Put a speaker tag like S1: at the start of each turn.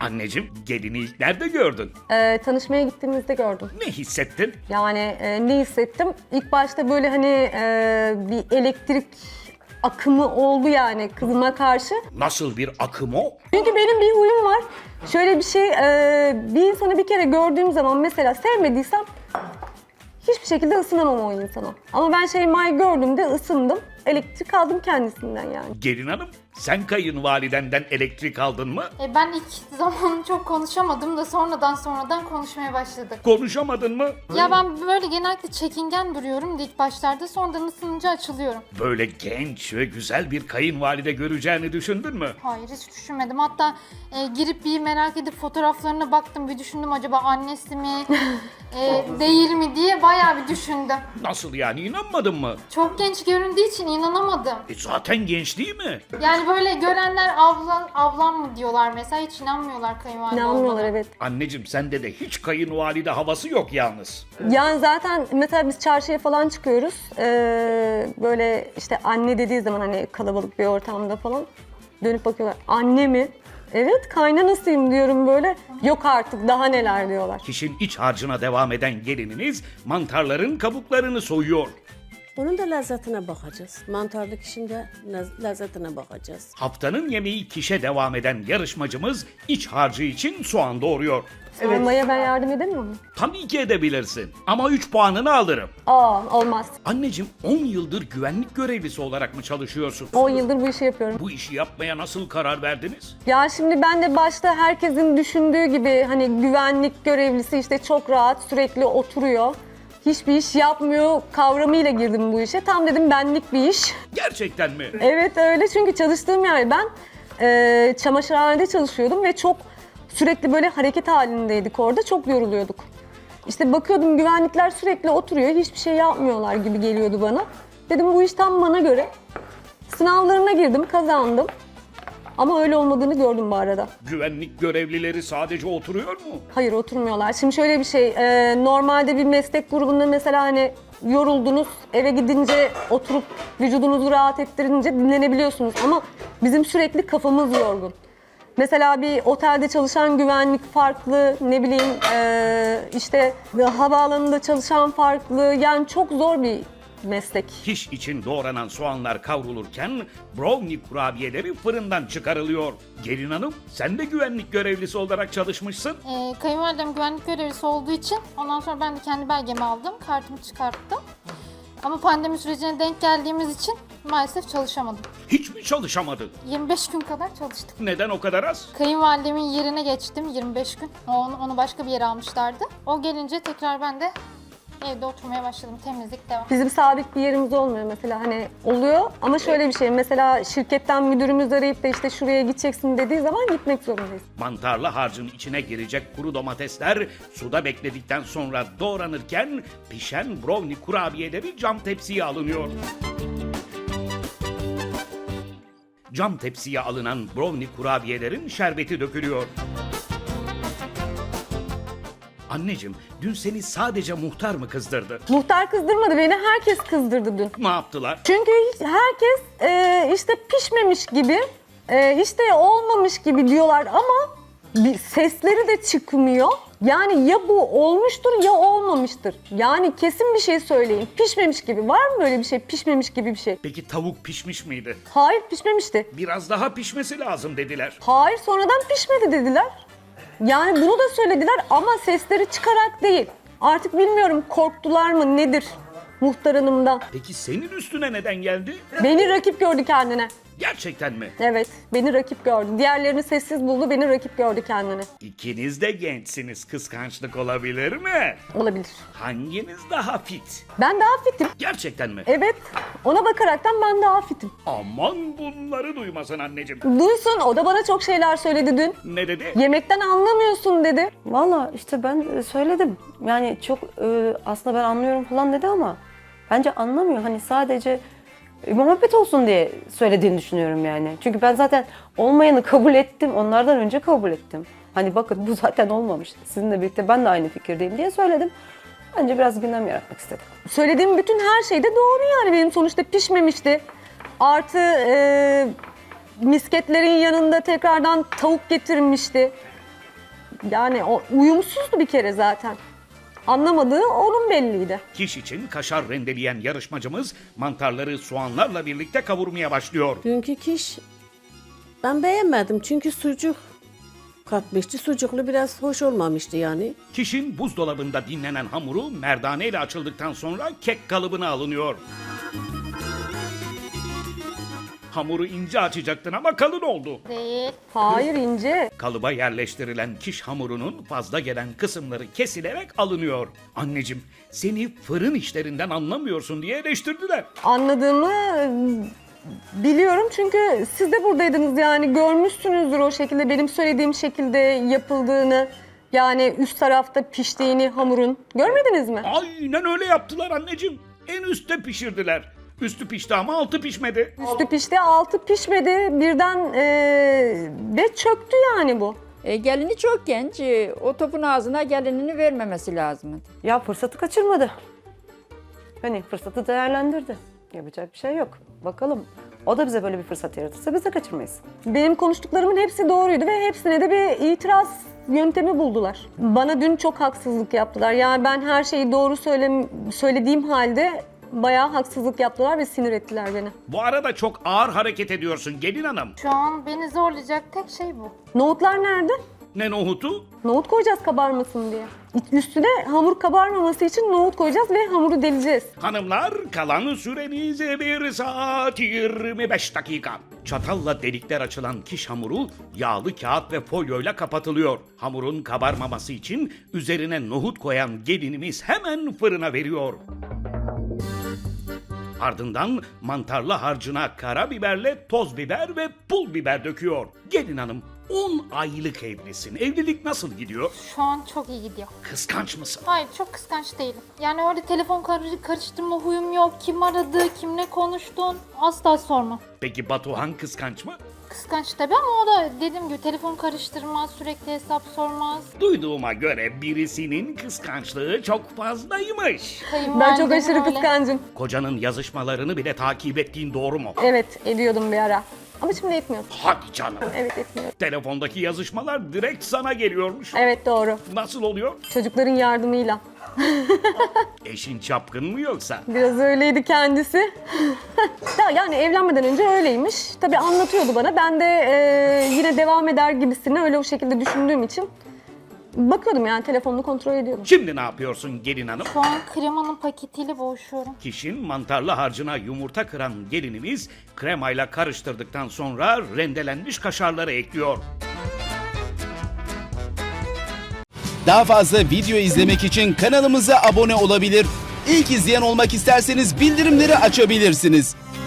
S1: Anneciğim, gelini ilk nerede gördün?
S2: Tanışmaya gittiğimizde gördüm.
S1: Ne hissettin?
S2: Yani ne hissettim? İlk başta böyle hani bir elektrik akımı oldu yani kızıma karşı.
S1: Nasıl bir akım o?
S2: Çünkü benim bir huyum var. Şöyle bir şey, bir insanı bir kere gördüğüm zaman mesela sevmediysem hiçbir şekilde ısınamam o insana. Ama ben Şeyma'yı gördüğümde ısındım. Elektrik aldım kendisinden yani.
S1: Gelin hanım, sen kayınvalidenden elektrik aldın mı?
S3: Ben ilk zaman çok konuşamadım da sonradan konuşmaya başladık.
S1: Konuşamadın mı?
S3: Ya ben böyle genellikle çekingen duruyorum ilk başlarda, sonradan ısınınca açılıyorum.
S1: Böyle genç ve güzel bir kayınvalide göreceğini düşündün mü?
S3: Hayır, hiç düşünmedim. Hatta girip bir merak edip fotoğraflarına baktım, bir düşündüm acaba annesi mi değil mi diye bayağı bir düşündüm.
S1: Nasıl yani, inanmadın mı?
S3: Çok genç göründüğü için inanamadım.
S1: Zaten genç değil mi?
S3: Yani böyle görenler ablam mı diyorlar mesela, hiç inanmıyorlar kayınvalide
S2: İnanmıyorlar
S3: olduğuna.
S2: evet.
S1: Anneciğim, sende de hiç kayınvalide havası yok yalnız.
S2: Yani zaten mesela biz çarşıya falan çıkıyoruz. Böyle işte anne dediği zaman hani kalabalık bir ortamda falan dönüp bakıyorlar. Anne mi? Evet, kaynanasıyım diyorum böyle. Yok artık, daha neler diyorlar.
S1: Kişinin iç harcına devam eden gelininiz mantarların kabuklarını soyuyor.
S4: Onun da lezzetine bakacağız. Mantarlık işin de lezzetine bakacağız.
S1: Haftanın yemeği kişe devam eden yarışmacımız iç harcı için soğan doğuruyor.
S2: Sormaya ben yardım edemiyor muyum?
S1: Tabii ki edebilirsin ama 3 puanını alırım.
S2: Olmaz.
S1: Anneciğim, 10 yıldır güvenlik görevlisi olarak mı çalışıyorsun?
S2: 10 yıldır bu işi yapıyorum.
S1: Bu işi yapmaya nasıl karar verdiniz?
S2: Ya şimdi ben de başta herkesin düşündüğü gibi hani güvenlik görevlisi işte çok rahat sürekli oturuyor. Hiçbir iş yapmıyor kavramıyla girdim bu işe. Tam dedim benlik bir iş.
S1: Gerçekten mi?
S2: Evet öyle, çünkü çalıştığım yer, ben çamaşırhanede çalışıyordum ve çok sürekli böyle hareket halindeydik orada, çok yoruluyorduk. İşte bakıyordum güvenlikler sürekli oturuyor, hiçbir şey yapmıyorlar gibi geliyordu bana. Dedim bu iş tam bana göre. Sınavlarına girdim, kazandım. Ama öyle olmadığını gördüm bu arada.
S1: Güvenlik görevlileri sadece oturuyor mu?
S2: Hayır, oturmuyorlar. Şimdi şöyle bir şey, normalde bir meslek grubunda mesela hani yoruldunuz, eve gidince oturup vücudunuzu rahat ettirince dinlenebiliyorsunuz. Ama bizim sürekli kafamız yorgun. Mesela bir otelde çalışan güvenlik farklı, ne bileyim işte havaalanında çalışan farklı. Yani çok zor bir meslek.
S1: Kiş için doğranan soğanlar kavrulurken brownie kurabiyeleri fırından çıkarılıyor. Gelin hanım, sen de güvenlik görevlisi olarak çalışmışsın.
S3: Kayınvalidem güvenlik görevlisi olduğu için ondan sonra ben de kendi belgemi aldım, kartımı çıkarttım. Ama pandemi sürecine denk geldiğimiz için maalesef çalışamadım.
S1: Hiç mi çalışamadın?
S3: 25 gün kadar çalıştım.
S1: Neden o kadar az?
S3: Kayınvalidemin yerine geçtim 25 gün. Onu başka bir yere almışlardı. O gelince tekrar ben de evde oturmaya başladım. Temizlik devam.
S2: Bizim sabit bir yerimiz olmuyor mesela, hani oluyor ama şöyle bir şey, mesela şirketten müdürümüz arayıp da işte şuraya gideceksin dediği zaman gitmek zorundayız.
S1: Mantarlı harcın içine girecek kuru domatesler suda bekledikten sonra doğranırken pişen brownie kurabiyeleri cam tepsiye alınıyor. Cam tepsiye alınan brownie kurabiyelerin şerbeti dökülüyor. Anneciğim, dün seni sadece muhtar mı kızdırdı?
S2: Muhtar kızdırmadı beni, herkes kızdırdı dün.
S1: Ne yaptılar?
S2: Çünkü herkes işte pişmemiş gibi, işte olmamış gibi diyorlar ama bir sesleri de çıkmıyor. Yani ya bu olmuştur ya olmamıştır. Yani kesin bir şey söyleyin. Pişmemiş gibi. Var mı böyle bir şey? Pişmemiş gibi bir şey.
S1: Peki tavuk pişmiş miydi?
S2: Hayır, pişmemişti.
S1: Biraz daha pişmesi lazım dediler.
S2: Hayır, sonradan pişmedi dediler. Yani bunu da söylediler ama sesleri çıkarak değil. Artık bilmiyorum, korktular mı nedir muhtar hanımdan.
S1: Peki senin üstüne neden geldi?
S2: Beni rakip gördü kendine.
S1: Gerçekten mi?
S2: Evet, beni rakip gördü. Diğerlerini sessiz buldu, beni rakip gördü kendine.
S1: İkiniz de gençsiniz. Kıskançlık olabilir mi?
S2: Olabilir.
S1: Hanginiz daha fit?
S2: Ben daha fitim.
S1: Gerçekten mi?
S2: Evet, ona bakaraktan ben daha fitim.
S1: Aman bunları duymasın anneciğim.
S2: Duysun, o da bana çok şeyler söyledi dün.
S1: Ne dedi?
S2: Yemekten anlamıyorsun dedi.
S5: Valla işte ben söyledim. Yani çok aslında ben anlıyorum falan dedi ama bence anlamıyor. Hani sadece muhabbet olsun diye söylediğini düşünüyorum yani. Çünkü ben zaten olmayanı kabul ettim. Onlardan önce kabul ettim. Hani bakın bu zaten olmamış. Sizinle birlikte ben de aynı fikirdeyim diye söyledim. Bence biraz gündem yaratmak istedim.
S2: Söylediğim bütün her şey de doğru yani, benim sonuçta pişmemişti. Artı misketlerin yanında tekrardan tavuk getirmişti. Yani o uyumsuzdu bir kere zaten. Anlamadığı onun belliydi.
S1: Kiş için kaşar rendeleyen yarışmacımız mantarları soğanlarla birlikte kavurmaya başlıyor.
S4: Dünkü kiş ben beğenmedim çünkü sucuk katmıştı. Sucuklu biraz hoş olmamıştı yani.
S1: Kişin buzdolabında dinlenen hamuru merdane ile açıldıktan sonra kek kalıbına alınıyor. Hamuru ince açacaktın ama kalın oldu.
S3: Değil.
S2: Hayır ince.
S1: Kalıba yerleştirilen kiş hamurunun fazla gelen kısımları kesilerek alınıyor. Anneciğim, seni fırın işlerinden anlamıyorsun diye eleştirdiler.
S2: Anladığımı biliyorum çünkü siz de buradaydınız yani görmüşsünüzdür o şekilde benim söylediğim şekilde yapıldığını. Yani üst tarafta piştiğini hamurun. Görmediniz mi?
S1: Aynen öyle yaptılar anneciğim. En üstte pişirdiler. Üstü pişti ama altı pişmedi.
S2: Üstü pişti, altı pişmedi. Birden ve çöktü yani bu.
S6: Gelini çok genç. O topun ağzına gelinini vermemesi lazım.
S5: Ya fırsatı kaçırmadı. Hani fırsatı değerlendirdi. Yapacak bir şey yok. Bakalım. O da bize böyle bir fırsat yaratırsa biz de kaçırmayız.
S2: Benim konuştuklarımın hepsi doğruydu ve hepsine de bir itiraz yöntemi buldular. Bana dün çok haksızlık yaptılar. Yani ben her şeyi doğru söylediğim halde bayağı haksızlık yaptılar ve sinir ettiler beni.
S1: Bu arada çok ağır hareket ediyorsun gelin hanım.
S3: Şu an beni zorlayacak tek şey bu.
S2: Nohutlar nerede?
S1: Ne nohutu?
S2: Nohut koyacağız kabarmasın diye. Üstüne hamur kabarmaması için nohut koyacağız ve hamuru deleceğiz.
S1: Hanımlar, kalan süreniz 1 saat 25 dakika. Çatalla delikler açılan kiş hamuru yağlı kağıt ve folyoyla kapatılıyor. Hamurun kabarmaması için üzerine nohut koyan gelinimiz hemen fırına veriyor. Ardından mantarlı harcına karabiberle toz biber ve pul biber döküyor. Gelin hanım, 10 aylık evlisin. Evlilik nasıl gidiyor?
S3: Şu an çok iyi gidiyor.
S1: Kıskanç mısın?
S3: Hayır, çok kıskanç değilim. Yani öyle telefon karıştırma huyum yok. Kim aradı, kimle konuştun asla sorma.
S1: Peki Batuhan kıskanç mı?
S3: Kıskanç tabii ama o da dediğim gibi telefon karıştırmaz, sürekli hesap sormaz.
S1: Duyduğuma göre birisinin kıskançlığı çok fazlaymış.
S2: Ben çok
S3: Kayınvalidem
S2: aşırı
S3: öyle.
S2: kıskancım.
S1: Kocanın yazışmalarını bile takip ettiğin doğru mu?
S2: Evet ediyordum bir ara. Ama şimdi etmiyorum.
S1: Hadi canım.
S2: Evet etmiyorum.
S1: Telefondaki yazışmalar direkt sana geliyormuş.
S2: Evet doğru.
S1: Nasıl oluyor?
S2: Çocukların yardımıyla.
S1: Eşin çapkın mı yoksa?
S2: Biraz öyleydi kendisi. Ya yani evlenmeden önce öyleymiş. Tabii anlatıyordu bana. Ben de yine devam eder gibisine öyle o şekilde düşündüğüm için bakıyordum yani telefonunu kontrol ediyordum.
S1: Şimdi ne yapıyorsun gelin hanım?
S3: Şu an kremanın paketiyle boğuşuyorum.
S1: Kişinin mantarlı harcına yumurta kıran gelinimiz kremayla karıştırdıktan sonra rendelenmiş kaşarları ekliyor.
S7: Daha fazla video izlemek için kanalımıza abone olabilir. İlk izleyen olmak isterseniz bildirimleri açabilirsiniz.